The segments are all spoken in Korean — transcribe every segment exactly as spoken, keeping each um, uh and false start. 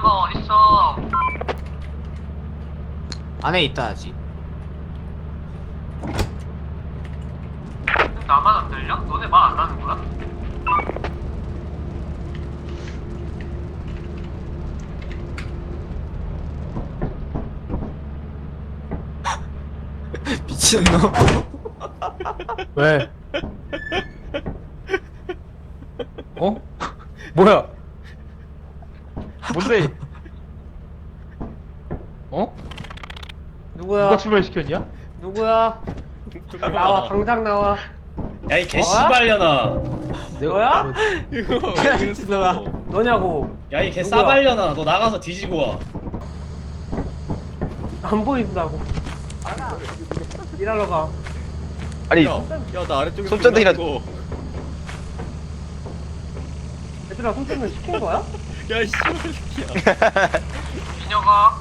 미녀가 어딨어? 안에 있다 아직. 나만 안 들려? 너네 말 안 하는 거야? 미친놈. 왜? 어? 뭐야? 뭔데? 어? 누구야? 누가 출발시켰냐? 누구야? 나와, 당장 나와. 야 이 개씨발려나. 너야? 이거 야, 미친놈아. 너냐고. 야 이 누구야? 개싸발려나. 너 나가서 뒤지고 와. 안 보인다고. 일하러 가. 아니 야나 아래쪽에 손전등이나- 고 얘들아, 손짓은 시킨 거야? 야 씨발 새끼야. 미녀가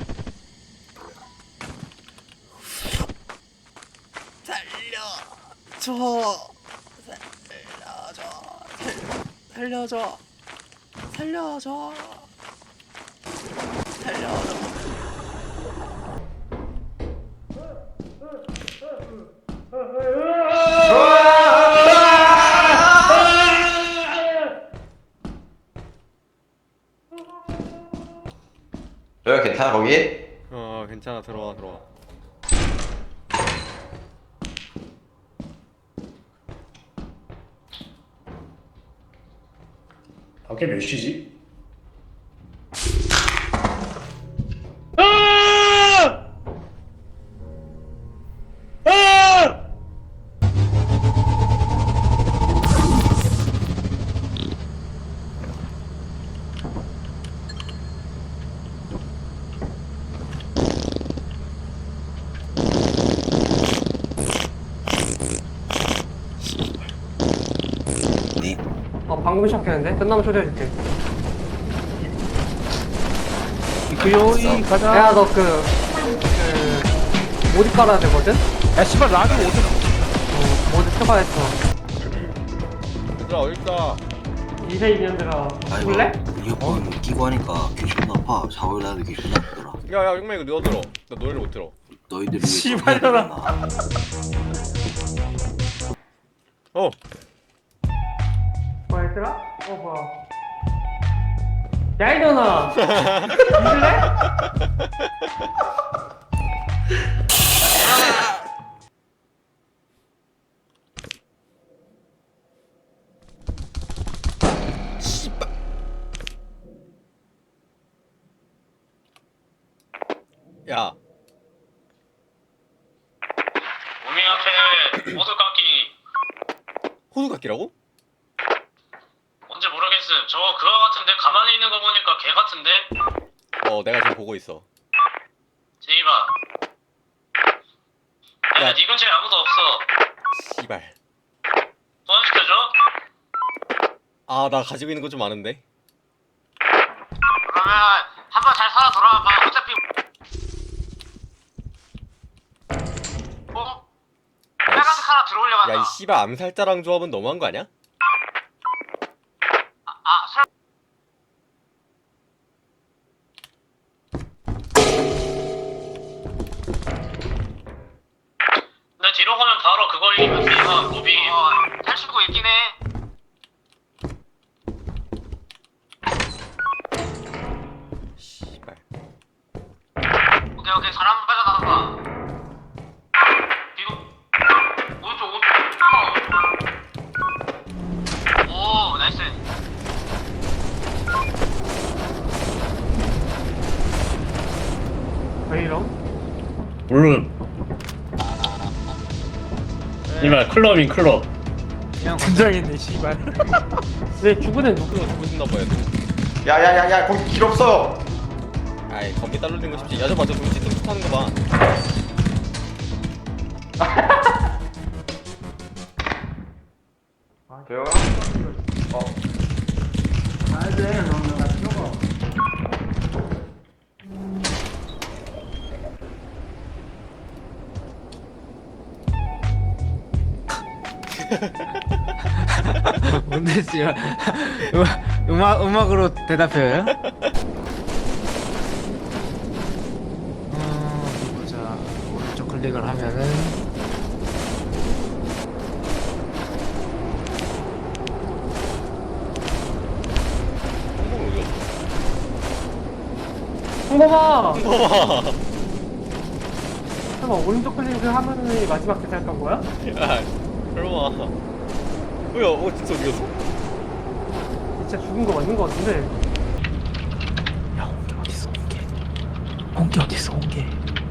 살려줘 살려줘 살려줘 너 괜찮아 거기? 어 괜찮아 들어와 들어와 밖에 몇 시지? 어, 방금 시작했는데? 끝나면 초대해줄게. 그 요이 가자 야, 너 그, 그, 모드 깔아야 되거든? 야 씨발 락이 어디 어, 모드 추가했어. 얘들아 어딨다 이세 인연들아, 죽을래? 이어폰 끼고 하니까 귀 존나 아파. 샤워를 하는데 귀 존나 아프더라. 야야 용매 이거 너 들어 나 노래를 못 들어 너희들 위해 씨발려라. 어 뭐 얘들아? 어, 뭐야. 야, 이년아! 죽을래? 야 우미 앞에 호두깎이 호두깎이라고? 뭔지 모르겠음. 저거 그거 같은데 가만히 있는 거 보니까 개 같은데? 어 내가 지금 보고 있어 제이바. 야. 야, 네 근처에 아무도 없어. 씨발 소환시켜줘? 아 나 가지고 있는 거 좀 아는데 그러면 한번 잘 살아 돌아와봐. 어차피 어? 빨간색 하나 들어올려간다. 야 이 씨발 암살자랑 조합은 너무한 거 아니야? 아, 아, 설... 내 뒤로 가면 바로 그걸 이기면 고비 어, 탈출구 있긴 해. 씨발 오케이 오케이 사람 빠져나가. 뒤로 오른쪽 오른쪽. 오 나이스. 왜 이럼? 물론 이말 클럽인 클럽. 분장했네 씨발 왜 죽은 애 누구? 그거 죽고 싶나 봐요 야야야야 거기 길 없어. 아이 거기 따로 된 거 쉽지 야저 맞아 정치 뚱뚱 하는 거봐 대영아? 어. 뭔데, 씨발. 음악, 음악, 음악으로 대답해요? 클릭을 하면은 성공 어디 갔어? 홍범아! 봐봐. 잠깐만 오른쪽 클릭을 하면은 마지막 대사였던 거야? 야, 설마. 뭐야? 어 진짜 어디 갔어? 진짜 죽은 거 맞는 거 같은데. 야 홍게 어딨어 홍게 홍게 어딨어 홍게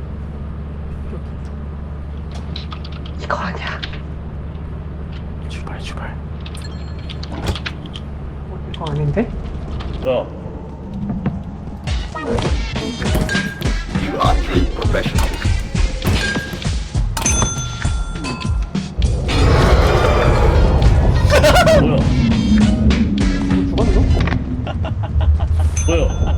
이거 아니야. 출발 출발 어, 이거 아닌데? 야, 뭐야? 죽었어? 뭐야?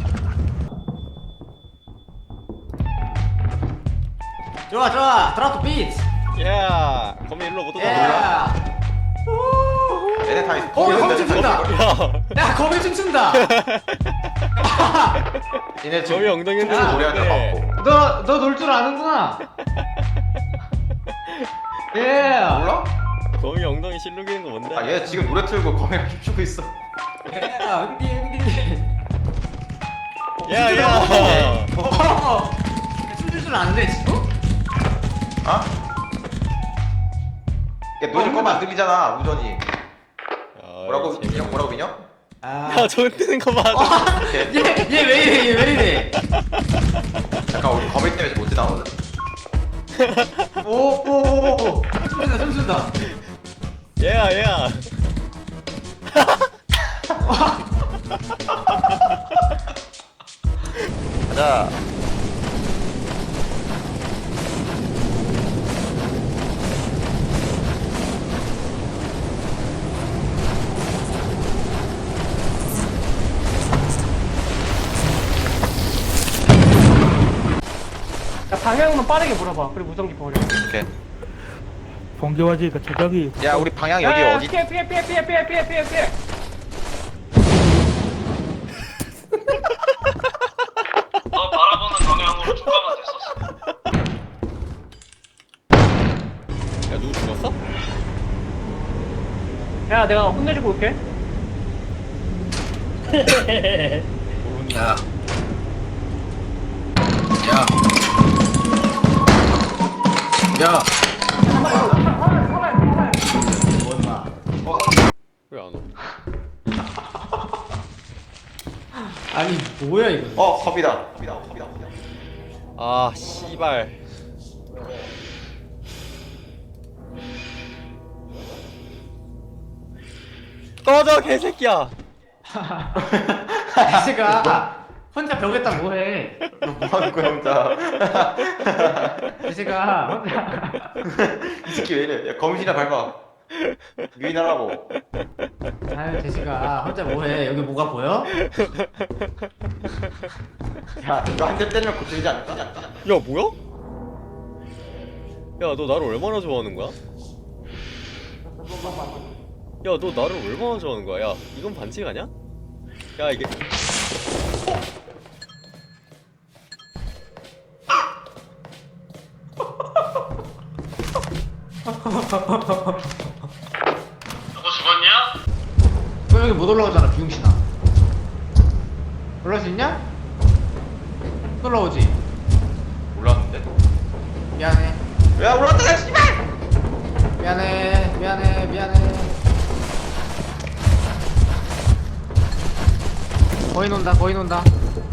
좋아 좋아 드랍 비트 야, 거미 일로 못 오잖아. 야 얘네 다 있어. 어, 거미 춤춘다. 야, 야 거미 춤춘다 얘네 지금 거미 엉덩이 흔들고 야, 노래하는 노래하는데. 거 맞고. 너 너 놀 줄 아는구나 예 몰라? 거미 엉덩이 실룩이는 거 뭔데? 아 얘 지금 노래 틀고 카메라 춤추고 있어. 야 흥디 흥디 야, 야. 어 춤출 줄 아는데 지금? 아? 얘 노래 꺼면 안 들리잖아 우전이. 뭐라고 민영 뭐라고 민영? 야, 저거 뜨는 거 봐. 얘얘왜 이래 얘 왜 이래 잠깐 우리 거미 때문에 못 지나거든. 오오오 춤춘다 춤춘다 얘야, 얘야. 가자. 야, 방향만 빠르게 물어봐. 그리고 무전기 버려. 오케이. 번개와지가 저격이 야 우리 방향 여기 야, 야, 어디? 피해 피해 피해 피해 피해 피해 피해 피해. 너 바라보는 방향으로 축가가 됐었어. 야, 누구 죽었어? 야, 내가 혼내주고 올게. 야. 야. 야. 왜 안 와? 아니 뭐야 이거 어 겁이다. 겁이다. 겁이다. 겁이다. 아, 씨발. 꺼져, 개새끼야. 제가 혼자 벽에다 뭐해 뭐 하는 거야 혼자? 제가 혼자 이 새끼 왜 이래? 야 거미줄이나 밟아. 유인하라고. 아유 제시가 혼자 뭐해 여기 뭐가 보여? 야 이거 한 대 때리면 고치지 않을까? 야, 뭐야? 야, 너 나를 얼마나 좋아하는 거야? 야, 너 나를 얼마나 좋아하는 거야? 야, 이건 반칙 아니야? 야, 이게. 누구 죽었냐? 너 여기 못 올라오잖아 비용신아 올라올 수 있냐? 못 올라오지? 올라왔는데? 미안해 야 올라왔다 씨발! 미안해 미안해 미안해 거의 논다 거의 논다